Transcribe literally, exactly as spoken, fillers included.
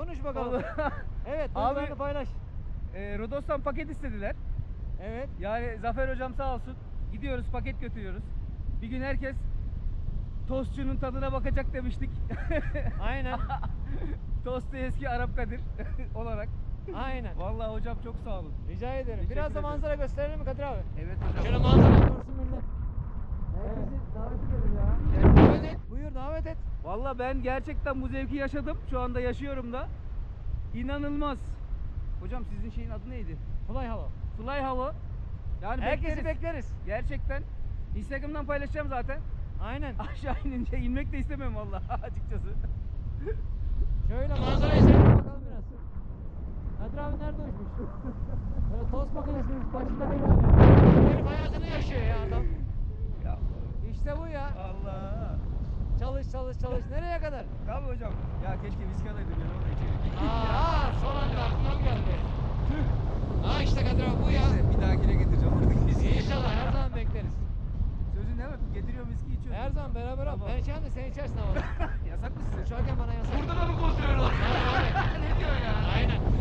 Konuş bakalım. Vallahi- Evet, Abi- duygularını paylaş. E, Rodos'tan paket istediler. Evet. Yani Zafer hocam sağ olsun. Gidiyoruz paket götürüyoruz. Bir gün herkes tostçunun tadına bakacak demiştik. Aynen. Tostu eski Arap Kadir olarak. Aynen. Vallahi hocam çok sağ olun. Rica ederim. Teşekkür Biraz da ederim. manzara gösterelim mi Kadir abi? Evet hocam. Şöyle manzara görsün millet. Herkesi davet edelim ya. Davet et. Buyur davet et. Vallahi ben gerçekten bu zevki yaşadım. Şu anda yaşıyorum da. İnanılmaz. Hocam sizin şeyin adı neydi? Fly Halo. Fly Halo. Yani Herkesi bekleriz. bekleriz. Gerçekten. Instagram'dan paylaşacağım zaten. Aynen. Aşağı inince inmek de istemem vallahi açıkçası. Şöyle manzarayı seyredelim bakalım biraz. Kadir abi nerede uçmuş? Böyle tost makinesinin başında değil abi. Herif hayatını yaşıyor ya adam. Ya İşte bu ya. Allah. Çalış çalış çalış. Nereye kadar? Tabii hocam. Ya keşke viski alaydım ya orada içeri. Aa, son anda aklına geldi. Ha işte Kadir abi bu ya. Neyse, bir dahakine getireceğim artık viski. İnşallah her zaman bekleriz. Sözün ne var? Getiriyorum viski içiyorum. Her zaman beraber al. Tamam. Ben içerim de sen içersin ama. Yasak mı size? Uçarken bana yasak. Burada da mı kontrol var? Abi, abi. Ne diyor ya? Aynen.